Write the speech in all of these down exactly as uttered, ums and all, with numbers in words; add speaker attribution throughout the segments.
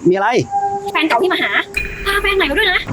Speaker 1: มีอะไร
Speaker 2: แฟนเก่าที่มาหาพาแฟนใหม่มาด้วยนะ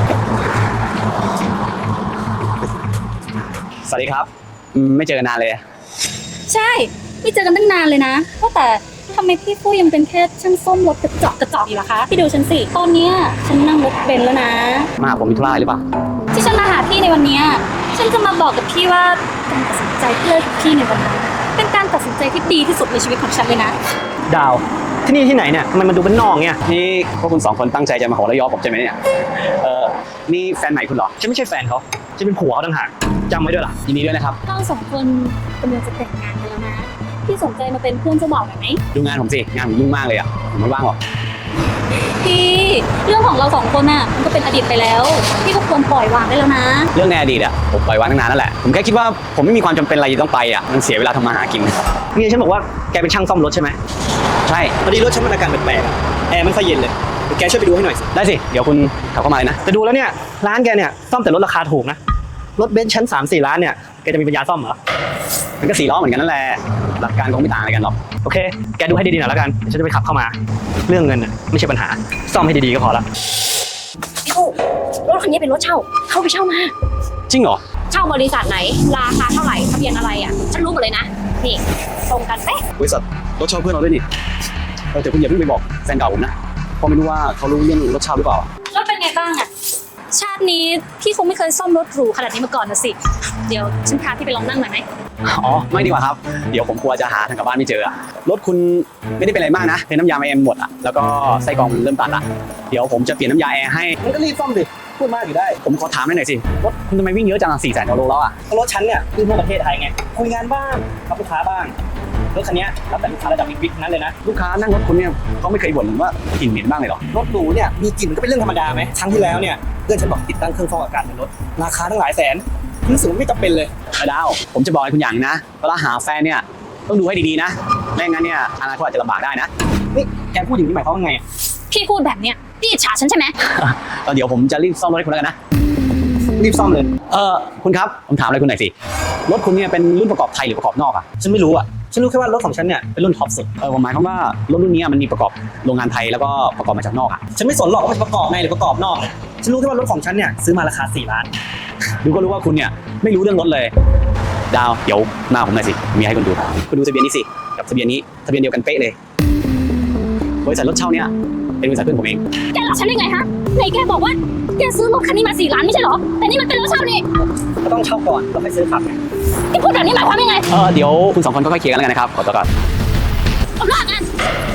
Speaker 1: สวัสดีครับไม่เจอกันนานเลย
Speaker 2: ใช่ไม่เจอกันตั้งนานเลยนะว่าแต่ทำไมพี่ฟู่ยังเป็นแค่ช่างซ่อมรถกระจอกกระจอกอยู่ล่ะคะพี่ดูฉันสิตอนนี้ฉันนั่งรถเบนซ์แล้วนะ
Speaker 1: มาหาผมมีธุระหรือเปล่า
Speaker 2: ที่ฉันมาหาพี่ในวันนี้ฉันจะมาบอกกับพี่ว่าการตัดสินใจเพื่อพี่ในวันนี้เป็นการตัดสินใจที่ดีที่สุดในชีวิตของฉันเลยนะ
Speaker 3: ดาวที่นี่ที่ไหนเนี่ยมันมันดูเป็นนอกเนี่ย
Speaker 1: นี่พวกคุณสองคนตั้งใจจะมาขอระยอผมใช่ไหมเนี่ยเออนี่แฟนใหม่คุณเหรอ
Speaker 3: ฉันไม่ใช่แฟนเขาฉันเป็นผัวเขาต่างหากจำไว้ด้วยล่ะ
Speaker 1: ยินดีด้วยนะครับ
Speaker 2: เราสองคนกำลังจะแต่งงานกันแล้วนะพี่สนใจมาเป็นเพื่อนเจ้าบ่าวหน่อยไหม
Speaker 1: ดูงานผมสิงานผมยุ่งมากเลยอ่ะผมไม่ว่างหรอก
Speaker 2: พี่เรื่องของเราสองคนน่ะมันก็เป็นอดีตไปแล้วพี่ก็ควรปล่อยวางได้แล้วนะ
Speaker 1: เรื่องในอดีตอ่ะผมปล่อยวางตั้งนานนั่นแหละผมแค่คิดว่าผมไม่มีความจำเป็นอะไรต้องไปอ่ะมันเสียเวลาทำมาหากิน
Speaker 3: นี่ฉันบอกว่าแกเป็นช่างซ่อมรถใช่ไหม
Speaker 1: ใช่
Speaker 3: พอดีรถฉันมันอาการแปลกๆแอร์ไม่ค่อยเย็นเลยแกช่วยไปดูให้หน่อยสิ
Speaker 1: ได้สิเดี๋ยวคุณขับเข้ามาเลยนะ
Speaker 3: แต่ดูแล้วเนี่ยร้านแกเนี่ยซ่อมแต่รถราคาถูกนะรถเบนซ์ชั้นสามสี่ล้านเนี่ยแกจะมีปัญญาซ่อมเหรอ
Speaker 1: มันก็สี่ล้อเหมือนกันนั่นแหละหลักการคงไม่ต่างอะไรกันหรอก
Speaker 3: โอเคแกดูให้ดีๆหน่อยแล้วกันฉันจะไปขับเข้ามาเรื่องเงินน่ะไม่ใช่ปัญหาซ่อมให้ดีๆก็พอละ
Speaker 2: พี่ฟู่รถคันนี้เป็นรถเช่าเข้าไปเช่ามา
Speaker 1: จริงเหรอ
Speaker 2: เช่าบริษัทไหนราคาเท่าไหร่ทะเบียนอะไรอ่ะฉันรู้หมดเลยนะนี่ตรงกันเป๊ะ
Speaker 1: บริษัทรถเช่าเพื่อนเราด้วยนี่เออแต่คุณอย่าเพิ่งไปบอกแฟนเก่าผมนะเพราะไม่รู้ว่าเขารู้เรื่องรถเช่าหรือเปล่าร
Speaker 2: ถเป็นไงบ้างอ่ะชาตินี้พี่คงไม่เคยซ่อมรถหรูขนาดนี้มาก่อนนะสิเดี๋ยวฉันพาพี่ไปลองนั่งหน่อยไหม
Speaker 1: อ๋อไม่ดีกว่าครับเดี๋ยวผมกลัวจะหาทางกลับบ้านไม่เจอรถคุณไม่ได้เป็นอะไรมากนะเป็นน้ำยาไอเอ็มหมดอ่ะแล้วก็ไส้กรองเริ่มตัดละเดี๋ยวผมจะเปลี่ยนน้ำยาแอร์ให้
Speaker 3: มันก็รีบซ่อมดิพูดมากอยู่ได้
Speaker 1: ผมขอถามหน่อยสิรถคุณทำไมวิ่งเยอะจังสี่แสนกว่าโลแล้วอ่ะ
Speaker 3: รถฉันเนี่ยคือทั่วประเทศไทยไงคุยงานบ้างรับลูกค้าบ้างรถคันนี้รับแต่ลูกค้าระดับบิ๊กๆนั้นเลยนะ
Speaker 1: ลูกค้านั่งรถคุณเนี่ยเขาไม่เคยบ่นว่ากลิ่นเหม็นบ้างเลยหรอ
Speaker 3: รถหรูเนี่ยมีกลิ่นก็เป็นเรื่องธรรมดาไหมครั้งที่แล้วเนี่ยเพื่อนฉันบอกติดตั้งเครื่องฟอกอากาศในรถราคาตั้งหลายแสนรู้สึกว่าไม่จำเป็นเลย
Speaker 1: ดาวผมจะบอกให้คุณอย่างนะเวลาหาแฟนเนี่ยต้องดูให้ดีๆนะไม่งั้นเนี่ยอนาคตอาจจะลำบากได้นะ
Speaker 3: นี่แกพูดอย่างนี้หมายความว่าไง
Speaker 2: พี่พูดแบบเนี้ยพี่อิจฉาฉันใช่ไหม
Speaker 1: ตอนเดี๋ยวผมจะรีบซ่อมรถให้คุณแล้วกันนะ
Speaker 3: รีบซ่อมเลย
Speaker 1: เออคุณครับผมถามอะไรคุณหน่อยสิรถคุณเนี่ยเป็นรุ่นประกอบไทยหรือประกอบนอกอ่ะ
Speaker 3: ฉันไม่รู้อ่ะฉันรู้แค่ว่ารถของฉันเนี่ยเป็นรุ่นท็อปสุด
Speaker 1: เออผมหมายความว่ารถรุ่นนี้มันมีประกอบโรงงานไทยแล้วก็ประกอบมาจากนอกอ่ะ
Speaker 3: ฉันไม่สนหรอกว่ามันประกอบในหรือประกอบนอกฉันรู้แค่ว่ารถของฉันเนี่ยซื้อมาราคาสี่ล้าน
Speaker 1: ดูก็รู้ว่าคุณเนี่ยไม่รู้เรื่องรถเลยดาวเดี๋ยวมาผมหน่อยสิมีให้คุณดูคุณดูทะเบียนนี้สิกับทะเบียนนี้ทะเบียนเดียวกันเป๊ะเลยบริษัทรถเช่าเนี่ยเป็นบริษัทเพื่อนผมเอง
Speaker 2: แกหลอกฉันได้ไงฮะไหนแกบอกว่าแกซื้อรถคันนี้มาสี่ล้านไม่ใช่เหรอแต่นี่มันเป็นรถเช่านี่
Speaker 3: ก็ต้องเช่าก่อนแล้วค่อยซื้อขับไง
Speaker 2: ที่พูดแบบนี้หมายความยังไง
Speaker 1: เออเดี๋ยวคุณสองคนค่อยๆเคลียร์กันแล้วกันนะครับขอตัวก่อน
Speaker 2: ผมลากัน